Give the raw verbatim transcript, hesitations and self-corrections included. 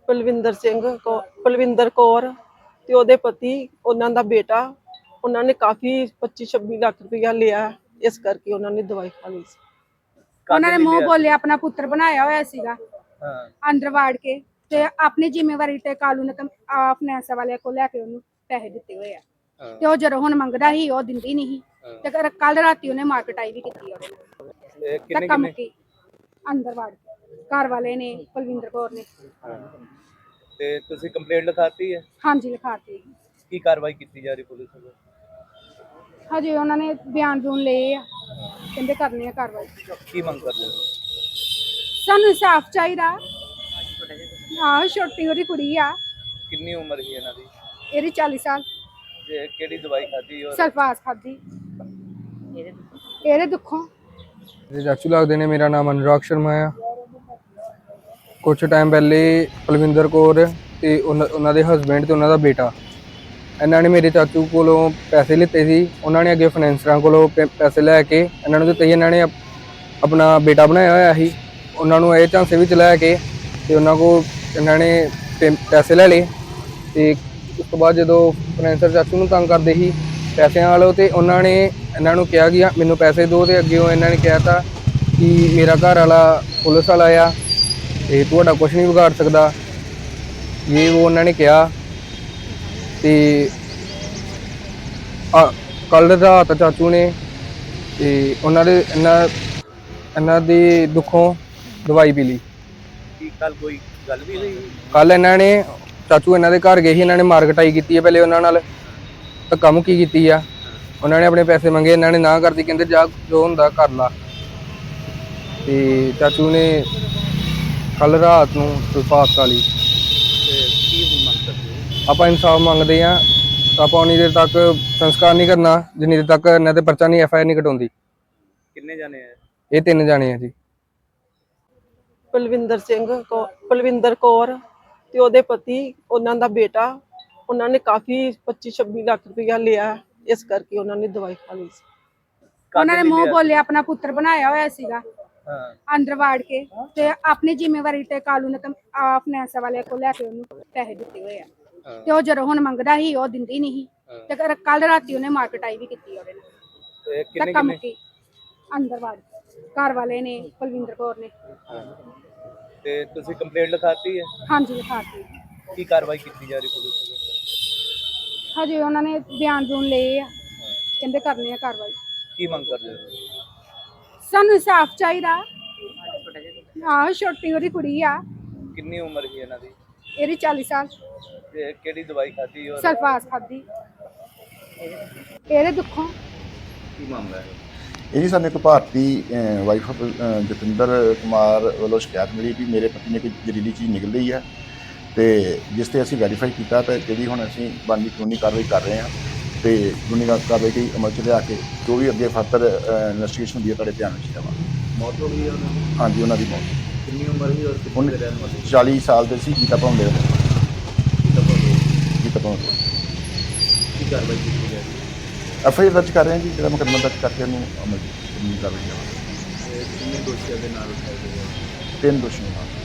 ਪਲਵਿੰਦਰ ਸਿੰਘ ਕੌ ਪਲਵਿੰਦਰ ਕੌਰ ਤੇ ਉਹਦੇ ਪਤੀ, ਉਹਨਾਂ ਦਾ ਬੇਟਾ। ਉਹਨਾਂ ਨੇ ਕਾਫੀ ਪੱਚੀ ਛੱਬੀ ਲੱਖ ਰੁਪਇਆ ਲਿਆ, ਇਸ ਕਰਕੇ ਉਹਨਾਂ ਨੇ ਦਵਾਈ ਖਾ ਲਈ ਸੀ। ਉਹਨਾਂ ਨੇ ਮੂੰਹ ਬੋਲਿਆ ਆਪਣਾ ਪੁੱਤਰ ਬਣਾਇਆ ਹੋਇਆ ਸੀਗਾ, ਅੰਦਰ ਵਾੜ ਕੇ ਤੇ ਆਪਣੀ ਜ਼ਿੰਮੇਵਾਰੀ ਤੇ ਕਾਲੂ ਨੇ ਫਾਈਨੈਂਸ ਵਾਲਿਆਂ ਕੋਲ ਲੈ ਕੇ ਉਹਨੂੰ ਪੈਸੇ ਦਿੱਤੇ ਹੋਏ ਆ। ਤੇ ਉਹ ਜਦੋਂ ਹੁਣ ਮੰਗਦਾ ਸੀ ਉਹ ਦਿੰਦੀ ਨਹੀਂ ਤੇ ਕੱਲ ਰਾਤੀ ਉਹਨੇ ਮਾਰਕਟਾਈ ਵੀ ਕੀਤੀ ਉਹਦੇ ਨਾਲ ਕੰਮ ਕੀ ਅੰਦਰ ਵਾੜ ਕੇ ਘਰ ਵਾਲੇ ਨੇ ਪਲਵਿੰਦਰ ਕੌਰ ਨੇ। ਤੇ ਤੁਸੀਂ ਕੰਪਲੇਂਟ ਲਿਖਾਤੀ ਹੈ? ਹਾਂਜੀ ਲਿਖਾਤੀ। ਕੀ ਕਾਰਵਾਈ ਕੀਤੀ ਜਾ ਰਹੀ ਪੁਲਿਸ ਵੱਲੋਂ? ਹਜੇ ਉਹਨਾਂ ਨੇ ਬਿਆਨ ਬੂਨ ਲਏ ਆ, ਕਹਿੰਦੇ ਕਰਨੀ ਆ ਕਾਰਵਾਈ। ਕੀ ਮੰਗ ਕਰਦੇ ਹੋ? ਸਾਨੂੰ ਇਨਸਾਫ ਚਾਹੀਦਾ। ਆਹ ਛੋਟੀ ਉਹਦੀ ਕੁੜੀ ਆ। ਕਿੰਨੀ ਉਮਰ ਹੈ ਇਹਨਾਂ ਦੀ? ਇਹਦੀ ਚਾਲੀ ਸਾਲ। ਤੇ ਕਿਹੜੀ ਦਵਾਈ ਖਾਧੀ? ਔਰ ਸਲਫਾਸ ਖਾਧੀ ਇਹਦੇ ਦੁੱਖੋਂ। ਜੀ ਚਾਚੂ ਲੱਗਦੇ ਨੇ। ਮੇਰਾ ਨਾਮ ਅਨੁਰਾਗ ਸ਼ਰਮਾ ਆ। ਕੁਛ ਟਾਈਮ ਪਹਿਲੇ ਪਲਵਿੰਦਰ ਕੌਰ ਤੇ ਉਹਨਾਂ ਦੇ ਹਸਬੈਂਡ ਤੇ ਉਹਨਾਂ ਦਾ ਬੇਟਾ, ਇਹਨਾਂ ਨੇ ਮੇਰੇ ਚਾਚੂ ਕੋਲੋਂ ਪੈਸੇ ਲਿੱਤੇ ਸੀ। ਉਹਨਾਂ ਨੇ ਅੱਗੇ ਫਾਈਨੈਂਸਰਾਂ ਕੋਲੋਂ ਪੈਸੇ ਲੈ ਕੇ ਇਹਨਾਂ ਨੂੰ ਦਿੱਤੇ। ਇਹਨਾਂ ਨੇ ਆਪਣਾ ਬੇਟਾ ਬਣਾਇਆ ਹੋਇਆ ਸੀ, ਉਹਨਾਂ ਨੂੰ ਇਹ ਝਾਂਸੇ ਵਿੱਚ ਲੈ ਕੇ ਤੇ ਉਹਨਾਂ ਕੋਲ ਇਹਨਾਂ ਨੇ ਪੈਸੇ ਲੈ ਲਏ। ਤੇ ਉਸ ਤੋਂ ਬਾਅਦ ਜਦੋਂ ਫਾਈਨੈਂਸਰ ਚਾਚੂ ਨੂੰ ਤੰਗ ਕਰਦੇ ਸੀ ਪੈਸਿਆਂ ਵਾਲੋ, ਤੇ ਉਹਨਾਂ ਨੇ ਇਹਨਾਂ ਨੂੰ ਕਿਹਾ ਕਿ ਮੈਨੂੰ ਪੈਸੇ ਦਿਓ। ਤੇ ਅੱਗੇ ਇਹਨਾਂ ਨੇ ਕਿਹਾ ਤਾ ਕਿ ਮੇਰਾ ਘਰ ਵਾਲਾ ਪੁਲਿਸ ਵਾਲਾ ਆ ਤੇ ਤੁਹਾਡਾ ਕੁਛ ਨਹੀਂ ਵਿਗਾੜ ਸਕਦਾ, ਇਹ ਉਹ ਉਹਨਾਂ ਨੇ ਕਿਹਾ। ਤੇ ਕੱਲ ਰਾਤ ਚਾਚੂ ਨੇ ਤੇ ਉਹਨਾਂ ਦੇ ਇਹਨਾਂ ਇਹਨਾਂ ਦੀ ਦੁੱਖੋਂ ਦਵਾਈ ਪੀ ਲਈ। ਕੀ ਕੱਲ ਕੋਈ ਗੱਲ ਵੀ ਹੋਈ? ਕੱਲ ਇਹਨਾਂ ਨੇ ਚਾਚੂ ਇਹਨਾਂ ਦੇ ਘਰ ਗਏ ਸੀ, ਇਹਨਾਂ ਨੇ ਮਾਰਕਟਾਈ ਕੀਤੀ ਹੈ ਪਹਿਲੇ ਉਹਨਾਂ ਨਾਲ, ਧੱਕਾ ਮੁੱਕੀ ਕੀਤੀ ਆ। ਉਹਨਾਂ ਨੇ ਆਪਣੇ ਪੈਸੇ ਮੰਗੇ, ਇਹਨਾਂ ਨੇ ਨਾ ਕਰਦੀ, ਕਹਿੰਦੇ ਜਾ ਜੋ ਹੁੰਦਾ ਕਰ ਲਾ। ਤੇ ਚਾਚੂ ਨੇ ਕੱਲ ਰਾਤ ਨੂੰ ਸਲਫਾਸ ਖਾ ਲਈ। ਕੀ ਹੁਣ ਮੰਗ ਕਰਦੇ ਹੋ? ਆਪਾਂ ਇਨਸਾਫ ਮੰਗਦੇ ਆ। ਆਪਾਂ ਉਨੀ ਦੇਰ ਤੱਕ ਸੰਸਕਾਰ ਨਹੀਂ ਕਰਨਾ ਜਿੰਨੀ ਦੇਰ ਤੱਕ ਇਹਨਾਂ ਤੇ ਪਰਚਾ ਨਹੀਂ, ਐਫ ਆਈ ਆਰ ਨਹੀਂ ਕਟਾਉਂਦੀ। ਕਿੰਨੇ ਜਾਣੇ ਆ? ਇਹ ਤਿੰਨ ਜਾਣੇ ਆ ਜੀ। ਪਲਵਿੰਦਰ ਸਿੰਘ ਕੌ ਪਲਵਿੰਦਰ ਕੌਰ ਤੇ ਉਹਦੇ ਪਤੀ, ਉਹਨਾਂ ਦਾ ਬੇਟਾ। ਉਹਨਾਂ ਨੇ ਕਾਫੀ ਪੱਚੀ ਛੱਬੀ ਲੱਖ ਰੁਪਇਆ ਲਿਆ, ਇਸ ਕਰਕੇ ਉਹਨਾਂ ਨੇ ਦਵਾਈ ਖਾ ਲਈ ਸੀ। ਉਹਨਾਂ ਨੇ ਮੂੰਹ ਬੋਲਿਆ ਆਪਣਾ ਪੁੱਤਰ ਬਣਾਇਆ ਹੋਇਆ ਸੀਗਾ, ਅੰਦਰ ਵਾੜ ਕੇ ਤੇ ਆਪਣੀ ਜ਼ਿੰਮੇਵਾਰੀ ਤੇ ਕਾਲੂ ਨੇ ਫਾਈਨੈਂਸ ਵਾਲਿਆਂ ਕੋਲ ਲੈ ਕੇ ਉਹਨੂੰ ਪੈਸੇ ਦਿੱਤੇ ਹੋਏ ਆ। ਤੇ ਉਹ ਜਦੋਂ ਹੁਣ ਮੰਗਦਾ ਸੀ ਉਹ ਦਿੰਦੀ ਨਹੀਂ ਤੇ ਕੱਲ ਰਾਤੀ ਉਹਨੇ ਮਾਰਕਟਾਈ ਵੀ ਕੀਤੀ ਉਹਦੇ ਨਾਲ ਕੰਮ ਕੀ ਅੰਦਰ ਵਾੜ ਕੇ ਘਰ ਵਾਲੇ ਨੇ ਪਲਵਿੰਦਰ ਕੌਰ ਨੇ। ਤੇ ਤੁਸੀਂ ਕੰਪਲੇਂਟ ਲਿਖਾਤੀ ਹੈ? ਹਾਂਜੀ ਲਿਖਾਤੀ। ਕੀ ਕਾਰਵਾਈ ਕੀਤੀ ਜਾ ਰਹੀ ਪੁਲਿਸ ਵੱਲੋਂ? ਹਜੇ ਉਹਨਾਂ ਨੇ ਬਿਆਨ ਬੂਨ ਲਏ ਆ, ਕਹਿੰਦੇ ਕਰਨੀ ਆ ਕਾਰਵਾਈ। ਕੀ ਮੰਗ ਕਰਦੇ ਹੋ? ਸਾਨੂੰ ਇਨਸਾਫ ਚਾਹੀਦਾ। ਆਹ ਛੋਟੀ ਉਹਦੀ ਕੁੜੀ ਆ। ਕਿੰਨੀ ਉਮਰ ਹੈ ਇਹਨਾਂ ਦੀ? ਇਹਦੀ ਚਾਲੀ ਸਾਲ। ਤੇ ਕਿਹੜੀ ਦਵਾਈ ਖਾਧੀ? ਔਰ ਸਲਫਾਸ ਖਾਧੀ ਇਹਦੇ ਦੁੱਖੋਂ। ਕੀ ਮਾਮਲਾ ਹੈ? ਇਹ ਜੀ ਸਾਨੂੰ ਇੱਕ ਭਾਰਤੀ ਵਾਈਫ ਆਫ ਜਤਿੰਦਰ ਕੁਮਾਰ ਵੱਲੋਂ ਸ਼ਿਕਾਇਤ ਮਿਲੀ ਕਿ ਮੇਰੇ ਪਤੀ ਨੇ ਕੋਈ ਜ਼ਹਿਰੀਲੀ ਚੀਜ਼ ਨਿਕਲ ਰਹੀ ਹੈ, ਤੇ ਜਿਸ ਤੇ ਅਸੀਂ ਵੈਰੀਫਾਈ ਕੀਤਾ ਤੇ ਜਿਹੜੀ ਹੁਣ ਅਸੀਂ ਬਣਦੀ ਕਾਨੂੰਨੀ ਕਾਰਵਾਈ ਕਰ ਰਹੇ ਹਾਂ ਤੇ ਕਾਨੂੰਨੀ ਕਾਰਵਾਈ ਦੀ ਅਮਲ 'ਚ ਲਿਆ ਕੇ ਜੋ ਵੀ ਅੱਗੇ ਫਰਦਰ ਇਨਵੈਸਟੀਗੇਸ਼ਨ ਹੁੰਦੀ ਹੈ ਤੁਹਾਡੇ ਧਿਆਨ ਵਿੱਚ ਲਿਆਵਾਂ। ਮੌਤ ਹੋ ਗਈ ਹੈ ਉਹਨਾਂ ਦੀ? ਹਾਂਜੀ, ਉਹਨਾਂ ਦੀ ਮੌਤ। ਕਿੰਨੀ ਉਮਰ ਸੀ ਔਰ ਕਿੰਨੇ ਦੇ ਰਹਿਣ ਵਾਲੇ? ਚਾਲੀ ਸਾਲ ਦੇ ਸੀ। ਗੀਤਾ ਭਵਨ ਦੇ ਗੀਤਾ ਭਵਨ। ਗੀਤਾ ਭਵਨ। ਕੀ ਕਾਰਵਾਈ ਕੀਤੀ ਜਾ ਰਹੀ ਹੈ? ਐਫ ਆਈ ਆਰ ਦਰਜ ਕਰ ਰਹੇ ਹਾਂ ਜੀ, ਜਿਹੜਾ ਮੁਕੱਦਮਾ ਦਰਜ ਕਰਕੇ ਉਹਨੂੰ ਅਮਲ ਕਾਨੂੰਨੀ ਕਾਰਵਾਈ ਲਿਆਵਾਂਗੇ। ਕਿੰਨੇ ਦੋਸ਼ੀਆਂ ਦੇ ਨਾਲ ਉਠਾਏ ਗਏ? ਤਿੰਨ ਦੋਸ਼ੀਆਂ ਨਾਲ।